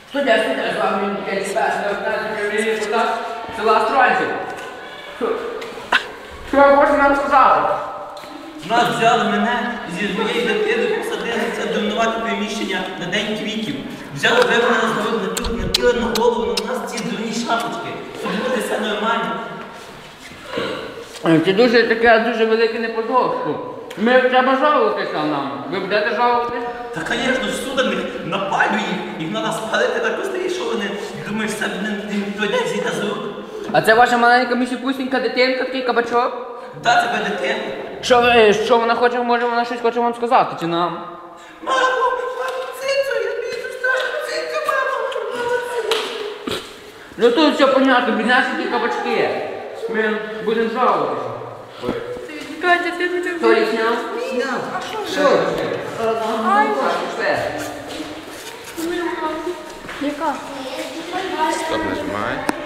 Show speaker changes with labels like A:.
A: Студія, з вами Миколай Спас, депутат села Стронців. Що ви можете нам сказати?
B: Нас взяли мене зі своєю дитиною, посадили це домінувати приміщення на День квітів. Взяли, вивели нас напіли на голову, на нас ці дурні шапочки. Щоб буде все нормально.
A: Це дуже велике неподобство. Ми треба жалуватися нам. Ви будете жалуватися?
B: Та, звісно, всюди напалює їх. Їх треба спалити на костері, що вони думаєш, це не дойде зійде з рук.
A: А це ваша маленька місіпусінька дитинка, такий кабачок?
B: Так, це буде дитина.
A: Що вона хоче, може вона щось хоче вам сказати, чи нам?
B: Мамо, цицю, я бійся, цицю, мамо.
A: Ну тут все понятно, біднесенькі кабачки. Ми будемо жалуватися.
C: Катя, ти не
A: Хто їх сняв?
B: Сняв.
A: Що?
C: Ай,
A: Пішли.
C: яка?
D: Стоп, нажимай.